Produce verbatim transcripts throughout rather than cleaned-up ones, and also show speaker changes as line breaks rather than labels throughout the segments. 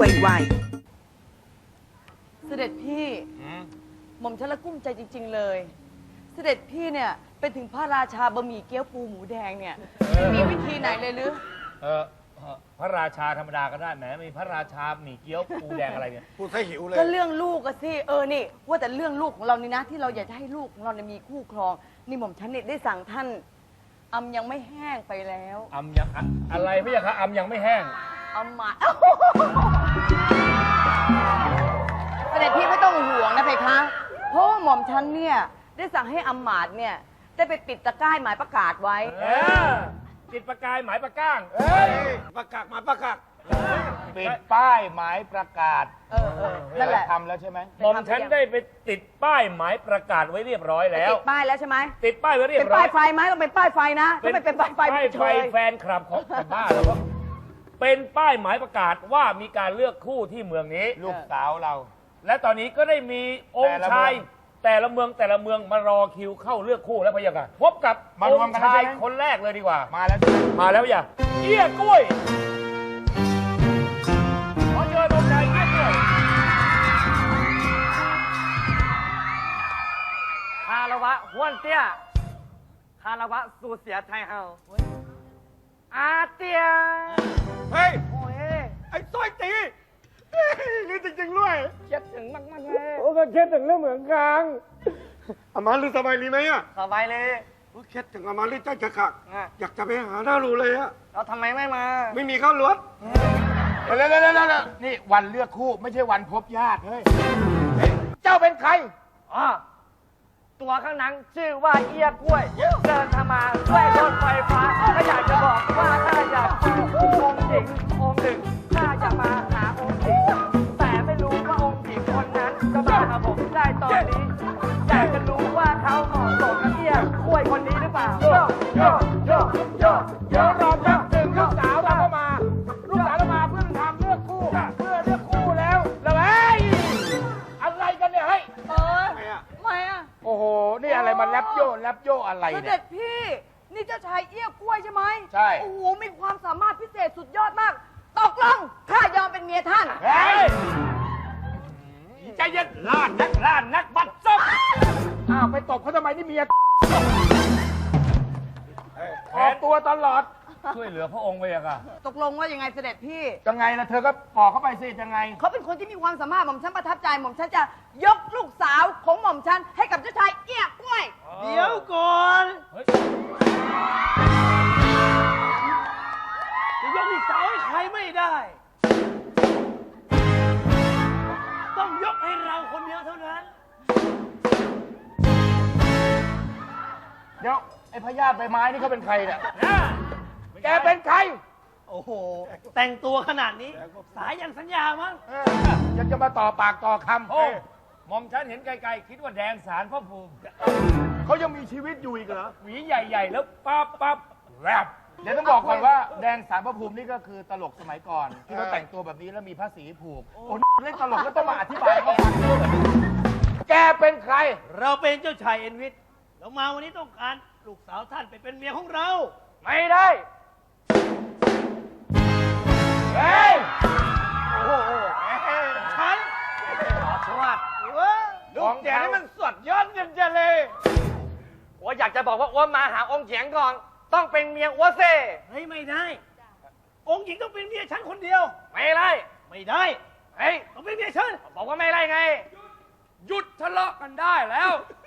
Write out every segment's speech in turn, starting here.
ไว
เสด็จพี่หม่อมฉันละกุ้มใจจริง ๆ เลย เสด็จพี่เนี่ยเป็นถึงพระราชาบะหมี่เกี๊ยวปูหมูแดงเนี่ยมีวิธีไหนเลยหรือ
เออพระราชาธรรมดาก็ได้แหมมีพระราชาหมี่เกี๊ยวปูแดงอะไรเนี่ย
พูดให้หิวเลย
ก็เรื่องลูกอะสิเออนี่ว่าแต่เรื่องลูกของเรานี่นะ ที่เราอยากจะให้ลูกของเราเนี่ยมีคู่ครองนี่หม่อมฉันเนี่ยได้สั่งท่านอำยังไม่แห้งไปแล้ว
อำยังอะอะไรไม่ใช่คะอำยังไม่แห้ง
อำหมาเสด็จพี่ไม่ต้องห่วงนะเพคะเพราะว่าหม่อมฉันเนี่ยได้สั่งให้อำมาตย์เนี่ยได้ไปปิดตะกร้ายหมายประกาศไว้
เออติดประกายหมายประก้าง
เฮ้ยประกาศมาประกาศ
ปิดป้ายหมายประกาศ
เออเออนั่นแหละ
ทำแล้วใช่ไหม
หม่อมฉันได้ไปติดป้ายหมายประกาศไว้เรียบร้อยแล้ว
ติดป้ายแล้วใช่ไหม
ติดป้ายไว้เรีย
เป็
บ
น
ร้อ
ป้าย ยไฟไหมต้องเป็นป้ายไฟนะถ้าไม่เป็นป้ายไฟ
ป้าย
เฉ
ไฟ
ย
แฟนคลับของแต่บ้าแล้วก็เป็นป้ายหมายประกาศว่ามีการเลือกคู่ที่เมืองนี้
ลูกสาวเรา
และตอนนี้ก็ได้มีองค์
แต่ละ
ชาย
เมือง
แต่ละเมืองแต่ละเมืองมารอคิวเข้าเลือกคู่แล้วพะยะค่ะพบกับ
มารวม
อง
กัน
ค์ชาย
แล้วใช่ไหม
คนแรกเลยดีกว่า
มาแล้วใช่ไหม
มาแล้วอย่าเอี้ยกล้วยขอเชิญองค์ชายเอี้ยกล้วย
คารวะห้วนเตี้ย คารวะสูเสียไทยเฮาอาเตีย
เฮ้ย
โอ้ย
ไอ้ต้อยตีเฮ้ยนี่จริงๆด้วย
คิดถึงมากๆเลย
โอ้ก็คิดถึงเรื่องเหมือนกันอามาลือสบายดีไหมอ่ะ
สบายเลย
โอ้คิดถึงอามาลือใจจะขาด
อ่ะ
อยากจะไปหาหน้ารูเลยอ่ะ
เราทำไมไม่มา
ไม่มีข้าวรถ
แล้วแล้วแล้วแล้วนี่วันเลือกคู่ไม่ใช่วันพบญาติเฮ้ยเจ้าเป็นใคร
อ๋อ ตัวข้างหนังชื่อว่าเอียกล้วย เดินทางมาด้วยรถไฟฟ้าก็อยากจะบอกว่าถ้าอยากเจอองค์หญิงองค์หนึ่งถ้าจะมาหาองค์หญิงแต่ไม่รู้ว่าองค์หญิงคนนั้นจะมาหาผมได้ตอนนี้ อยากจะรู้ว่าเขาเหมาะสมกับเอียกล้วยคนนี้หรือเปล่าโยโยโยโย
เดี๋ยวรอแป๊บหนึ่งลูกสาวเราก็มา ลูกสาวเรามาเพื่อทำเลือกคู่ เพื่อเลือกคู่แล้วแล้วเฮ้ยอะไรกันเนี่ยเฮ้ย
เออ
ทำไมอ่ะ
ทำไมอะ
โอ้โห นี่อะไรมาแลบโยแลบโยอะไร
เส
เนี่
ด็
ย
จพี่นี่เจ้าชายเอี้ยกล้วยใช่ไหม
ใช่
โอ้โหมีความสามารถพิเศษสุดยอดมากตกลงข้ายอมเป็นเมียท่าน
เฮ้ยใจเย็นล้านนักล้านนักบัดซบอ้าวไปตบเขาทำไมนี่เมียออกตัวตลอด
ช่วยเหลือพระองค์พะยะค่ะ
ตกลงว่ายังไงเสด็จพี่
ยังไงล่ะเธอก็บอกเข้าไปสิยังไง
เขาเป็นคนที่มีความสามารถหม่อมฉันประทับใจหม่อมฉันจะยกลูกสาวของหม่อมฉันให้กับเจ้าชายเอี้ยกล้วย
เดี๋ยวก่อน
เฮ้ย
จะยกอีกสาวให้ใครไม่ได้ ต้องยกให้เราคนเดียวเท่านั้น
เดี๋ยวไอ้พญาติใบไม้นี่เขาเป็นใครเนี่ยแกเป็นใคร
โอ้โห แต่งตัวขนาดนี้ สายยันสัญญามั้ง
เออยังจะมาต่อปากต่อคำ
โอ้หม่อมฉันเห็นไกลๆคิดว่าแดงสารพระภูมิ
เขายังมีชีวิตอยู่อีกเหรอ
หวีใหญ่ๆ แล้วปั๊บปั๊บแรบ
เดี๋ยวต้องบอกก่อนว่าแดงสารพระภูมินี่ก็คือตลกสมัยก่อน ที่เขาแต่งตัวแบบนี้แล้วมีผ้าสีผูก โอ้เล่นตลกแล้วต้องมาอธิบายให้เขาฟังด้วยเหรอแกเป็นใคร
เราเป็นเจ้าชายเอ็นวิทเรามาวันนี้ต้องการลูกสาวท่านไปเป็นเมียของเรา
ไม่ได้ เฮ้ย
โอ้โหฉันสวัสดีเว้ย
ลูกแกนี่มันสดยอดเงินจะเลย
อ้วอยากจะบอกว่าอ้วมาหาองค์เฉียงก่อน ต้องเป็นเมียอ้วเซ่เฮ้ยไม่ได้ องค์หญิงต้องเป็นเมียฉันคนเดียว ไม่ได้ ไม่ได้ เฮ้ยต้องเป็นเมียฉัน บอกว่าไม่ได้ไง
หยุดทะเลาะกันได้แล้ว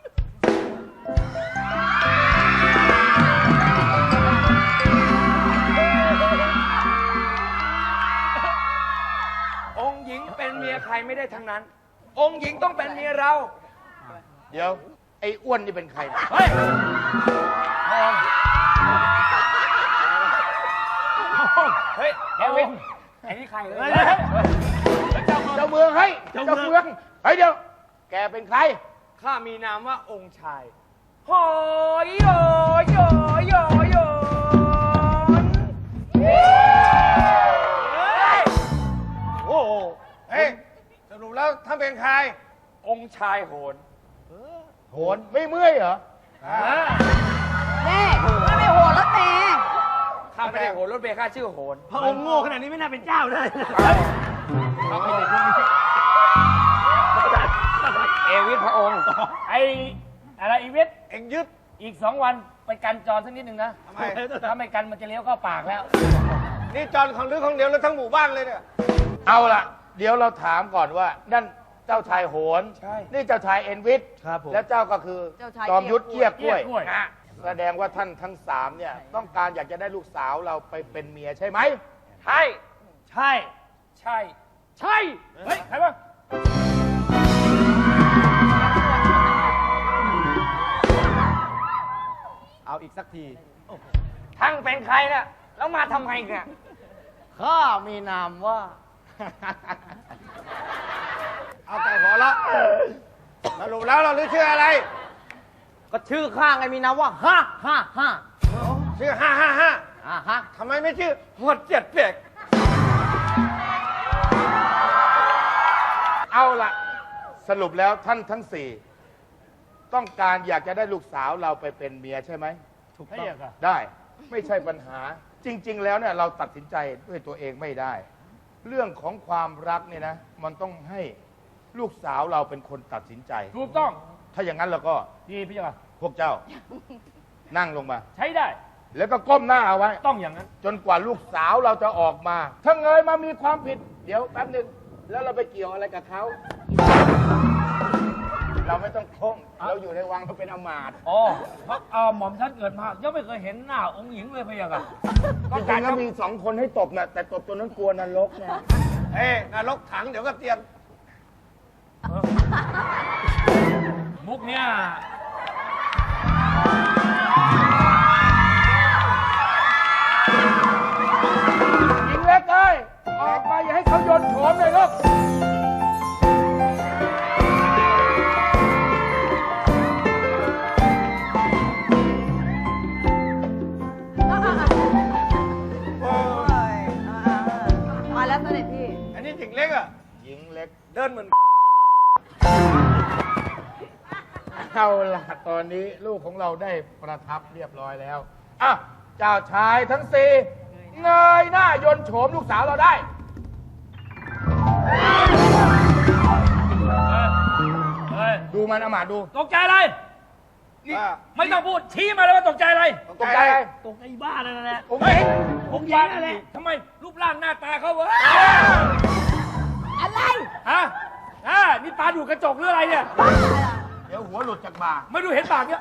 องค์หญิงเป็นเมียใครไม่ได้ทั้งนั้น องค์หญิงต้องเป็นเมียเรา
เดี๋ยว ไอ้อ้วนนี่เป็นใคร
เฮ้ย
เฮ้ย
แกวิน
ไอ้นี่ใครเลย
เจ้าเมืองเฮ้ยเจ้าเมืองเฮ้ยเดี๋ยว แกเป็นใคร
ข้ามีนามว่าองค์ชายโหยโยโยโยโยโอ้โห
เฮ้ยสรุปแล้วท่านเป็นใคร
องค์ชายโหน
โหนไม่เมื่อยเหรอ
แม่ถ้าไม่โหดรถเมย์
ข้าไม่ได้โหนรถเมล์ข้าชื่อโหน
พระองค์โง่ขนาดนี้ไม่น่าเป็นเจ้าได้
เ
เขาไม่ได้พวกนี้เอวิทพระองค์ไออะไรอีวิท
เอ็งยึด
อีกสองวันไปกันจรสักนิดหนึ่งนะ
ทำไม
ถ้าไม่กันมันจะเลี้ยวเข้าปากแล้ว
นี่จอนของลือของเดียวแล้วทั้งหมู่บ้านเลยเนี่ย
เอาล่ะ เดี๋ยวเราถามก่อนว่านั่นเจ้าชายโหน
ใช่
นี่เจ้าชายเอ็นวิท
ครับผม
และเจ้าก็คือ
เจ้าชาย
จอมยุทธเกี้ยกล้วย
เกี้ยกล้วย
นะแสดงว่าท่านทั้งสามเนี่ยต้องการอยากจะได้ลูกสาวเราไปเป็นเมียใช่ไหม
ใช่
ใช่ ใช่ ใช่ เฮ้ย ใครวะ
เอาอีกสักที
ทั้งเป็นใครเนี่ยแล้วมาทำไมเนี่ย
ข้ามีนามว่า เอาแต่หัวละสรุปแล้วเราลือชื่ออะไร
ก็ชื่อข้างไงมีนามว่าฮ่าฮ่าฮ่า
ชื่อห้าห้าห้า
อ่าฮะ
ทำไมไม่ชื่อหมดเจ็ดเปียก
เอาล่ะ สรุปแล้วท่านทั้งสี่ต้องการอยากจะได้ลูกสาวเราไปเป็นเมียใช่ไหม
ถูกต้อง
ได้ไม่ใช่ปัญหา จริง ๆ แล้วเนี่ยเราตัดสินใจด้วยตัวเองไม่ได้ เรื่องของความรักเนี่ยนะ มันต้องให้ลูกสาวเราเป็นคนตัดสินใจ
ถูกต้อง
ถ้าอย่างนั้นเราก็
ดีพี่จ้า
พวกเจ้า นั่งลงมา
ใช้ได้
แล้วก็ก้มหน้าเอาไว้
ต้องอย่างนั้น
จนกว่าลูกสาวเราจะออกมา ถ้าเงยมามีความผิด เดี๋ยวแป๊บหนึงแล้วเราไปเกี่ยวอะไรกับเขา เราไม่ต้องก้มเราอยู่ในวังเราเป็นอมาตย์
อ๋อ เพราะเอ่อหม่อมท่านเกิดมายังไม่เคยเห็นหน้าองค์หญิงเลยพี่จ้า
จริงๆแล้วมีสองคนให้ตบนะแต่ตบตัวนั้นกลัวนรกนะ
เอ้ยนรกถังเดี๋ยวก็เตรียม
มุกเนี่ย
หญิงเล็กเอ้ยออกมาอย่าให้เขาโยนโฉมเลยลูก
โอ้ยอ่าๆมาแล้วเสด็จพี่
อันนี้หญิงเล็กอ่ะ
หญิงเล็ก
เดินเหมือน
เอาล่ะตอนนี้ลูกของเราได้ประทับเรียบร้อยแล้วอ่ะเจ้าชายทั้งสี่เงยหน้ายนต์โฉมลูกสาวเราได้
เฮ้ย
ดูมันอมาตย์ดู
ตกใจอะไร
อ่า
ไม่ต้องพูด ชี้มาเลยว่าตกใจอะไร
ตกใจอะไร
ตกใจบ้านั่นแหละ
องค์หญิง
ผมยิงอะไรทำไมรูปร่างหน้าตาเขาวะ
อะไร
ฮะอ่านี่ตาดูกระจกหรืออะไรเนี่ย
เดี๋ยวหัวหลุดจากบ่า
ไม่ดูเห็นปากเนี่ย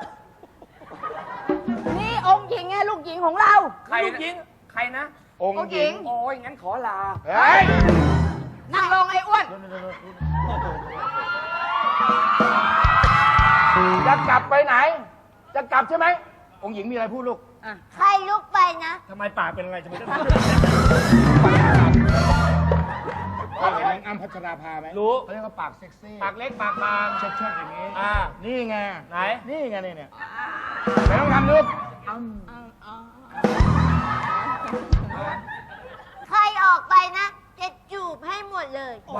นี่องค์หญิงไงลูกหญิงของเรา
ใครลูกหญิง ใครนะ
องค์หญิง
โอ้ยงั้นขอลา
เฮ้ย
นั่งลงไอ้อ้วน
จะกลับไปไหน จะกลับใช่ไหมองค์หญิงมีอะไรพูดลูก
ใครลุกไปนะ
ทำไมปากเป็นอะไรจะไม่ได้
พ่อเห็นนางอ้ำพัชราภาไหม
รู้
เขาเรียกว่าปากเซ็กซี่
ปากเล็กปากบาง
เชิดๆอย่างนี้
อ่า
นี่ไง
ไหน
นี่ไงนี่เนี่ยไม่ต้องทำลูก
ใครออกไปนะ จะจูบให้หมดเลย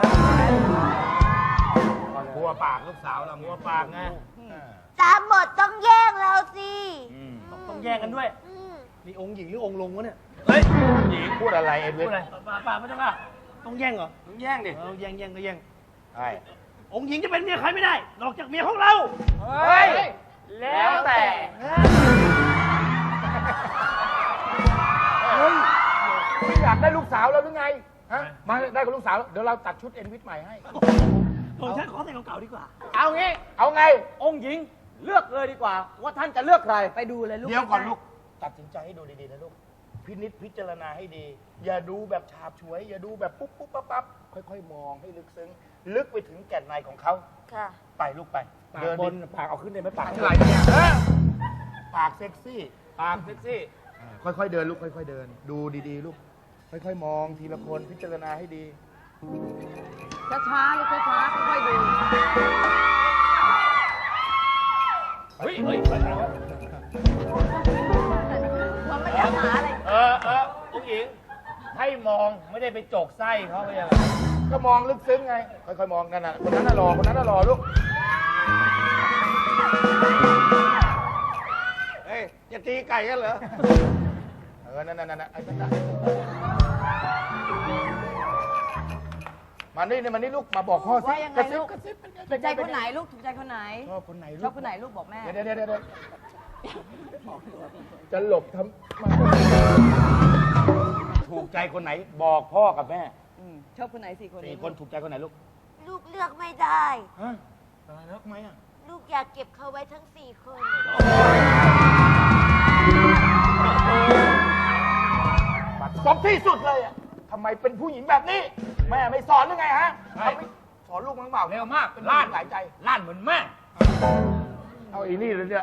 กลัวปากลูกสาวเรา
หัวปากไง
ตามบทต้องแย่งเราสิ
ต้องแย่งกันด้วย
อืม
นี่องค์หญิงหรือองค์ลงวะเนี่ย
เฮ้ยหญิง
พูดอะไรเอ็ด
พู
วิ
ด
น
อะไรปากปากไม่ต้องอ่ะ
ต้องแย่งเหรอ
ต้องแย่งดิ
เออแย่งแย่งก็แย่ง
ใช่
องค์หญิงจะเป็นเมียใครไม่ได้ นอกจากเมียของเรา
เฮ้ย แล้วแต่
เฮ้ยไม่อยากได้ลูกสาวเราหรือไงฮะมาได้กับลูกสาวแล้วเดี๋ยวเราตัดชุดเอ็นวิทใหม่ให้
ผมฉันขอแต่งเก่าๆดีกว่า
เอางี้
เอาไง
องค์หญิงเลือกเลยดีกว่า ว่าท่านจะเลือกใคร
ไปดูเลยลูก
เดี๋ยวก่อนลูก ตัดสินใจให้ดูดีๆนะลูก พินิจพิจารณาให้ดี อย่าดูแบบฉาบฉวย อย่าดูแบบปุ๊บปุ๊บปั๊บปั๊บค่อยๆ มองให้ลึกซึ้ง ลึกไปถึงแก่นในของเขา
ค่ะ
ไปลูกไป
ปาก
เดิน
บ
ดิ
นปากเอาขึ้นได้ไหมปาก
อะไรเนี่ยเออปากเซ็กซี่
ปากเซ็กซี่
ค่อยๆ เดินลูก ค่อยๆ เดิน ดูดีๆ ลูก ค่อยๆ มองทีละคนพิจารณาให้ดี
ช้าๆลูกช้าๆค่อยๆดู
เฮ้ยเฮ้ยอะไรวะ
มันไม่ได้หาอะไร
เออเออผู้หญิง ให้มองไม่ได้ไปจกไส้เขาไปอะไร
ก็มองลึกซึ้งไง ค่อยๆ มองนั่นน่ะ คนนั้นน่ะรอ คนนั้นน่ะรอลูก
เฮ้ย จะตีไก่กันเหรอ
เออ นั่นนั่นนั่นไอ้นั่นน่ะมานี่เนี่ยมานี่ลูกมาบอกพ่อสิ
ว่ายังไง
กระซิบ
ลูก
กระซิบ
ถูกใจคนไหนลูกถูกใจคนไหน
ชอบคนไหนลูก
ชอบคนไหนลูกบอกแม่
เดี๋ยวเดี๋ยวเดี๋ยวเดี๋ยวจะหลบทำมาถูกใจคนไหนบอกพ่อกับแม่
อืมชอบคนไหนสี่คน
สี่คนถูกใจคนไหนลูก
ลูกเลือกไม่ได้
ฮะตายแล้วทำไมอ่ะ
ลูกอยากเก็บเขาไว้ทั้งสี่คน
บัดซบที่สุดเลยอ่ะทำไมเป็นผู้หญิงแบบนี้ แม่ไม่สอนหรือไงฮะ
ใช่
เขาไม่สอนลูกมั้งเปล่า
เร็วมาก
เป็น
ล้า
ล้าน นหลายใจ
ล้านเหมือนแม่
เอาอีนี่เลยเนี่ย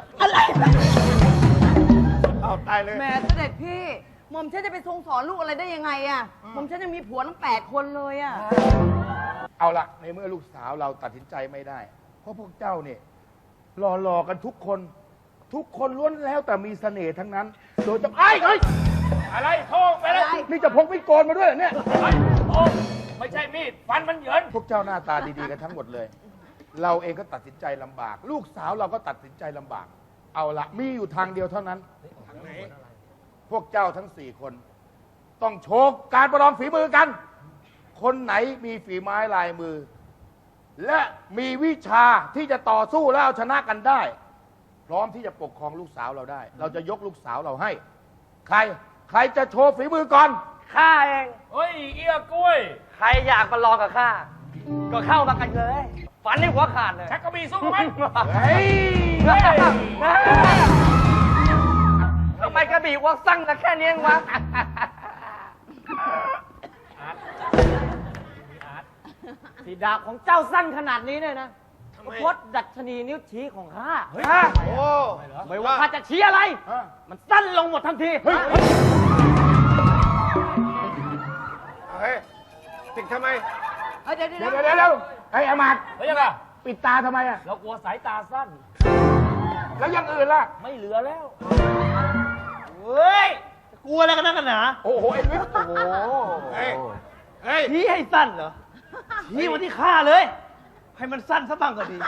เอาตายเลย
แหม่เสด็จพี่หม่อมฉันจะไปทรงสอนลูกอะไรได้ยังไงอ่ะหม่อมฉันยังมีผัวทั้งแปดคนเลยอ่ะ
เอาละในเมื่อลูกสาวเราตัดสินใจไม่ได้ เพราะพวกเจ้าเนี่ยรอรอกันทุกคน ทุกคนล้วนแล้วแต่มีเสน่ห์ทั้งนั้น โดยจะไอ้ไอ้ย
อะไรโทษไปเลย
นี่จะพกมีดโกนมาด้วยเหรอเนี่ย
ไอ้โอ้ไม่ใช่มีด ฟันมันเหยิน
พวกเจ้าหน้าตาดีๆกันทั้งหมดเลย เราเองก็ตัดสินใจลำบาก ลูกสาวเราก็ตัดสินใจลำบาก เอาละมีอยู่ทางเดียวเท่านั้น พวกเจ้าทั้งสี่คน ต้องโชว์การประลองฝีมือกัน คนไหนมีฝีไม้ลายมือ และมีวิชาที่จะต่อสู้แล้วเอาชนะกันได้ พร้อมที่จะปกครองลูกสาวเราได้ เราจะยกลูกสาวเราให้ ใคร ใครจะโชว์ฝีมือก่อน
ข้าเอง
เฮ้ย เอี้ยกล้วย
ใครอยากมาลองกับข้า ก็เข้ามากันเลย ฝันให้หัวขาดเลย
ชักกระบี่สู้ไหม
เฮ้ย
ทำไมกระบี่วักสั่งกันแค่นี้เองวะ สีดาบของเจ้าสั้นขนาดนี้เนี่ยนะพดดัชนีนิ้วชี้ของข้า
เฮ้ย
โอ้
ไม่ว่าข้าจะชี้อะไร
ฮะ
มันสั้นลงหมดทันที
เฮ้ย
เฮ้ยติดทำไม
เอ้ยเดี๋ยวเดี๋ยว
เดี๋ยว
เดี๋ยว
เดี๋ยวเดี๋ยวไอ้ยอามาด
เฮ้ยยังไง
ปิดตาทำไมอะ
เรากลัวสายตาสั้น
แล้วอยังอื่นล่ะ
ไม่เหลือแล้ว
เฮ้ย กลัวอะไรกันนักกันหนา
โอ้โหไอ้วิทย์โอ้โห
เฮ้ย เฮ้ย
ชี้ให้สั้นเหรอ ชี้มาที่ข้าเลย ให้มันสั้นซะบ้างก็ดี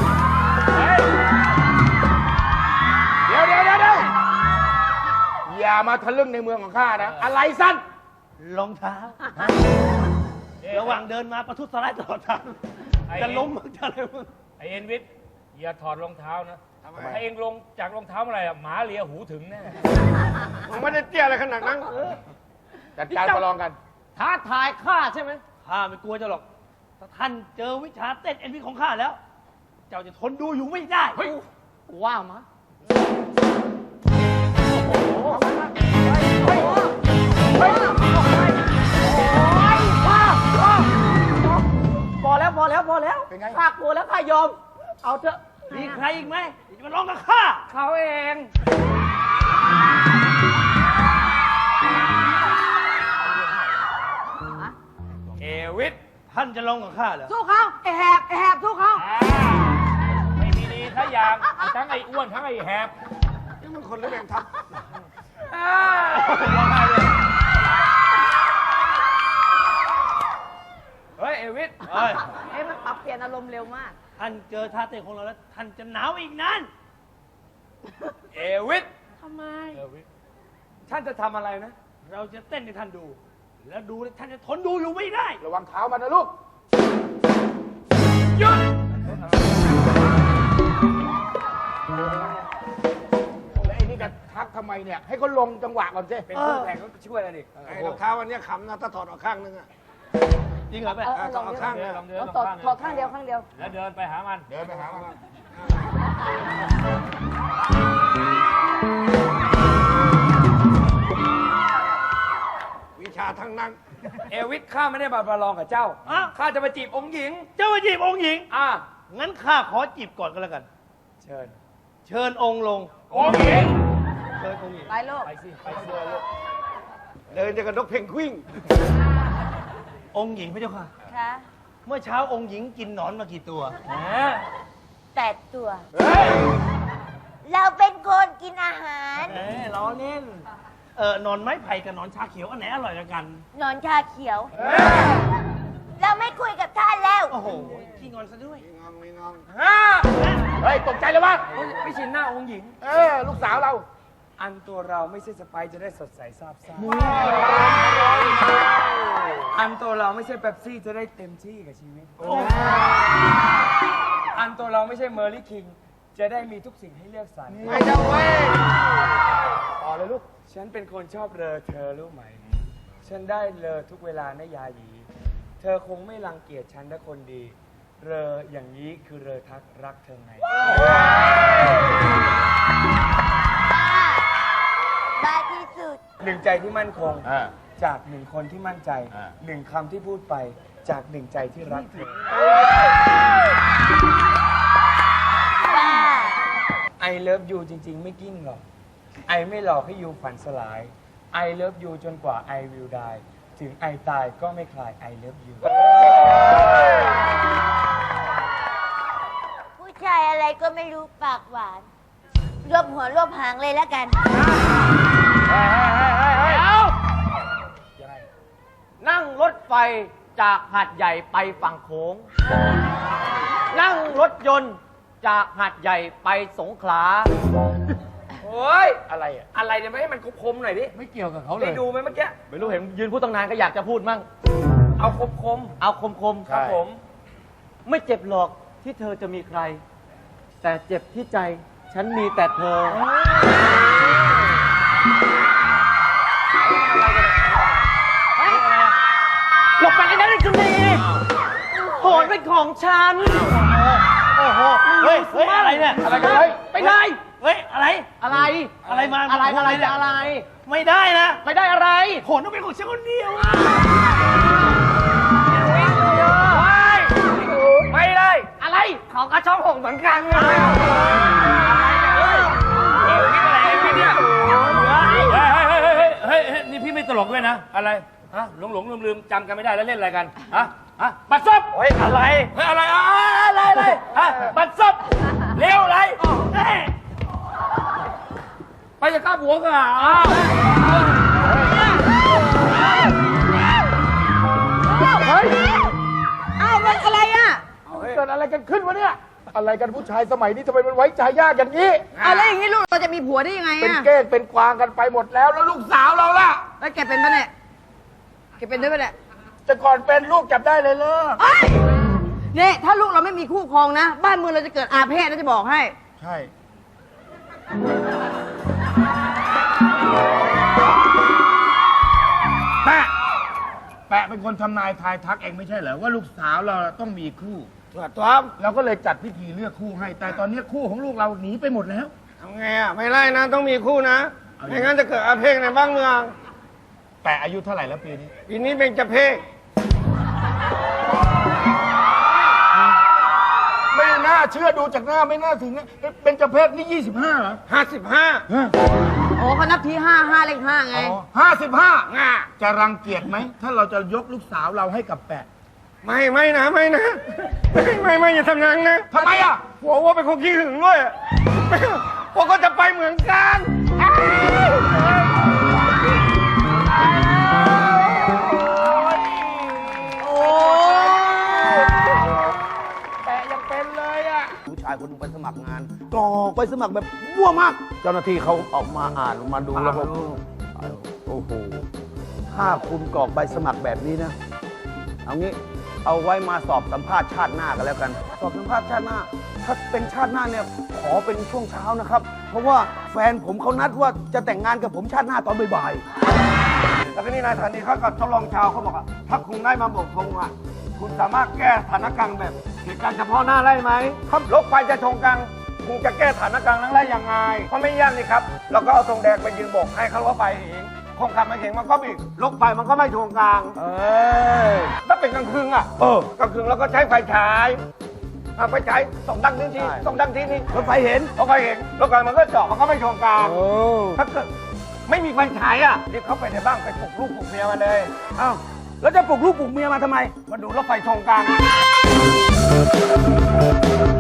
เดี๋ยวเดี๋ยวเดี๋ยวเดี๋ยวอย่ามาทะลึ่งในเมืองของข้านะ อะไรสั้น
รองเท้า ระหว่างเดินมาประทุษร้ายตลอดทาง
ไอ้
จะล้มมึงจะอะไรมึง
ไอเอ็นวิทย์อย่าถอดรองเท้านะ
ทำไม
ถ้าเองลงจากรองเท้าเมื่อไหร่อะหมาเลียหูถึงแน่
ผมไม่ได้เตี้ยอะไรขนาดนั้น
จัดการประลองกัน
ท้าทายข้าใช่ไหมข้าไม่กลัวเจ้าหรอก ถ้าท่านเจอวิชาเต้นเอ็นวีของข้าแล้ว เจ้าจะทนดูอยู่ไม่ได้
เฮ้ย
ว่ามาพอแล้วพอแล้วพอแล้ว
เป็นไง
ข้ากลัวแล้วข้ายอม เอาเถอะ มีใครอีกไหมที่จะมาลองกับข้า เขาเอง
เอวิทย์
ท่านจะลองกับข้าเหรอ
สู้เขาไอแหบไอแหบสู้เขา
อ่าไม่มีดีทั้งอย่างทั้งไอ้อ้วนทั้งไอ้แหบ
นี่มันคนหรือแมงทับ
เฮ้ย เอวิทย์
เฮ้ย
เอ้ยมันปรับเปลี่ยนอารมณ์เร็วมาก
ท่านเจอท่าเต้นของเราแล้ว ท่านจะหนาวอีกนาน
เอวิทย์
ทำไม
เอวิทย์
ท่านจะทำอะไรนะ เราจะเต้นให้ท่านดู แล้วดูแล้วท่านจะทนดูอยู่ไม่ได้
ระวังเท้ามันนะลูก
หยุด
แล้วไอ้นี่กันทักทำไมเนี่ย ให้เขาลงจังหวะก่อนสิ
เป็นคู่แข่งก็ช่วยกันอีก
ไอ้รองเท้าอันเนี้ยขำนะถ้าถอดออกข้างนึงอะ
จริงเหรอแม่
เออเออลอง
เอา
ดิ
ข้าง
เดินลองเดิน
เอา
ลอง
ตอด
ข้าง
ถอดข้างเดียวข้างเดียว
แล้วเดินไปหามัน
เดินไปหามัน
วิชาทั้งนั้น
เอวิทข้าไม่ได้มาประลองกับเจ้า
อ้าว
ข้าจะมาจีบองค์หญิง
เจ้ามาจีบองค์หญิง
อ่ะ
งั้นข้าขอจีบก่อนก็แล้วกัน
เชิญ
เชิญองค์ลง
โอ้ย
เชิญองค์หญิง
ไปลูก
ไปสิ ไปสิ
เดินจะกับนกเพนกวิน
องค์หญิงพระเจ้าค่ะ
ค่ะ
เมื่อเช้าองค์หญิงกินหนอนมากี่ตัว
แหม
แปดตัว เราเป็นคนกินอาหาร
เอ้ยล้อเล่น เออหนอนไม้ไผ่กับหนอนชาเขียวอันไหนอร่อยกว่ากัน
นอนชาเขียว เราไม่คุยกับท่านแล้ว
โอ้โหขี้งอนซะด้วย
มีงองมีงอง
เฮ้ย ตกใจเลยวะ
ไม่ชินหน้าองค์หญิง
เออ ลูกสาวเรา
อันตัวเราไม่ใช่สไปร์จะได้สดใสซาบซ่าอันตัวเราไม่ใช่เป๊ปซี่จะได้เต็มที่กับชีวิต อันตัวเราไม่ใช่เมอร์ลี่คิงจะได้มีทุกสิ่งให้เลือกสรร
ไม่ต้องเว้ยต่อเลยลูก
ฉันเป็นคนชอบเลอเธอรู้ไหม ฉันได้เลอทุกเวลานะยาหยี เธอคงไม่รังเกียจฉันนะคนดี เลออย่างนี้คือเลอทักรักเธอไง
บ้าที่สุด
หนึ่งใจที่มั่นคง
อ่า
จากหนึ่งคนที่มั่นใจ
อ่า
หนึ่งคำที่พูดไปจากหนึ่งใจที่รักเธอ
บ้า
ไอเลิฟยูจริง ๆ ไม่กิ้งหรอก ไอไม่หลอกให้ยูฝันสลาย ไอเลิฟยูจนกว่าไอวิลดายถึงไอตายก็ไม่คลายไอเลิฟยู
ผู้ชายอะไรก็ไม่รู้ปากหวาน รวบหัวรวบหางเลยแล้วกัน
นั่งรถไฟจากหาดใหญ่ไปฝั่งโขง นั่งรถยนต์จากหาดใหญ่ไปสงขลาโอ้ย
อะไรอ่ะ
อะไรเนี่ยไม่ให้มันคมๆหน่อยดิ
ไม่เกี่ยวกับเขาเล
ได้
ย
ดูไหมเมื่อกี้ ไม่รู้เห็นยืนพูดตั้งนานก็อยากจะพูดมั่ง
เอาคม
เอาคมๆ
ใช่
ครับผม ไม่เจ็บหรอกที่เธอจะมีใคร แต่เจ็บที่ใจฉันมีแต่เธอ หลบไปไอ้นั่นไอ้จุลีโหนเป็นของฉัน โอ้โห เฮ้ย เฮ้ย อะไรเนี่ย
อะไรกันเฮ้ย
ไปได้ เฮ้ย อะไร อะไร อะไรมา อะไร อะไรจะอะไร ไม่ได้นะ ไม่ได้อะไรโหนต้องเป็นของฉันคนเดียวไม่ได้ อะไร ของกระช่องหงเหมือนกันเลย
เฮ้ยเฮ้ยเฮ้ยเฮ้ยเฮ้ยเฮ้ยเฮ้ยนี่พี่ไม่ตลกด้วยนะ อะไรฮะหลงหลงลืมลืมจำกันไม่ได้แล้วเล่นอะไรกันฮะฮะบัตรซบ
เฮ้ย อะไร
เฮ้ยอะไรอะอะไรอะไรฮะบัตรซบเร็วอะไรเฮ้ยไปจะฆ่าผัวกันอ่ะอ้าว
เฮ้ย
อ้าวมันอะไรอ่ะ
เกิดอะไรกันขึ้นวะเนี่ย อะไรกันผู้ชายสมัยนี้ทำไมมันไว้ใจยากอย่างนี้
เอาแล้วอย่างนี้ลูกเราจะมีผัวได้ยังไง
เป็น
อ่ะ
เก้งเป็นกวางกันไปหมดแล้ว แล้วลูกสาวเราล่ะ
แล้วแกเป็นปะเนี่ยแกเป็นด้วยปะเนี่ย
จะก่อนเป็นลูกจับได้เลยเลิก
เอ้ยนี่ถ้าลูกเราไม่มีคู่ครองนะ บ้านเมืองเราจะเกิดอาเพศนะจะบอกให้
ใช่ แปะ แปะเป็นคนทำนายทายทักเองไม่ใช่เหรอว่าลูกสาวเราต้องมีคู่
ตัวตัว
เราก็เลยจัดพิธีเลือกคู่ให้ แต่ตอนนี้คู่ของลูกเราหนีไปหมดแล้ว
ทำไงอ่ะ ไม่ไล่นะ ต้องมีคู่นะ ไม่งั้นจะเกิดอาเพศในบ้านเมือง
แปะอายุเท่าไหร่แล้วปีนี้
ปีนี้เป็นจะเพศ
ไม่น่าเชื่อดูจากหน้าไม่น่าถึงนะเป็นเจเพศนี่ยี่สิบห้าเหรอ
ห้าสิบห้า
โอ้เขานับทีห้าห้าเลขห้าไง
ห้าสิบห้าจะรังเกียจไหม ถ้าเราจะยกลูกสาวเราให้กับแปะ
ไม่ไม่นะไม่นะ ไม่ไม่ไม่อย่าทำอย่างนั้นนะ
ทำไมอ่ะ
หัวว่าเป็นคนขี้หึงด้วยพวกก็จะไปเหมือนกัน
แปะยังเป็นเลยอ่ะ
ผู้ชายคนหนึงไปสมัครงานกรอกไปสมัครแบบมั่วมาก เจ้าหน้าที่เขาออกมาอ่านมาดูแล้วก็โอ้โหถ้าคุณกรอกใบสมัครแบบนี้นะ เอางี้เอาไว้มาสอบสัมภาษณ์ชาติหน้ากันแล้วกัน สอบสัมภาษณ์ชาติหน้า ถ้าเป็นชาติหน้าเนี่ยขอเป็นช่วงเช้านะครับ เพราะว่าแฟนผมเขานัดว่าจะแต่งงานกับผมชาติหน้าตอนบ่าย
แล้วก็นี่นายสถานีเขากับทดลองชาวเขาบอกว่าถ้าคุณได้มาบอกทงอ่ะ คุณสามารถแก้สถานการณ์แบบเหตุการณ์เฉพาะหน้าได้ไหมครับรถไฟจะชนกันคุณจะแก้สถานการณ์นั้นได้ยังไงเพราะไม่ยากนี่ครับเราก็เอาธงแดงไปยืนโบกให้เขารถไฟเองคนขับมาเห็นมันก็บิดรถไฟมันก็ไม่ชนกลาง
ๆ เออ
ถ้าเป็นกลางคืนอ่ะ
เออ
กลางคืนเราก็ใช้ไฟฉายเอาไฟฉายส่องดังนี้ที
ใช่
ส่องดังทีนี้
รถไฟเห็น
รถไฟเห็นรถไฟมันก็เจาะมันก็ไม่ชนกลาง
โอ้
ถ้าเกิดไม่มีไฟฉายอ่ะรีบเข้าไปในบ้านไปปลุกลูกปลุกเมียมาเลย
เอ้าแล้วจะปลุกลูกปลุกเมียมาทำไม
มาดูรถไฟชนกลาง
เ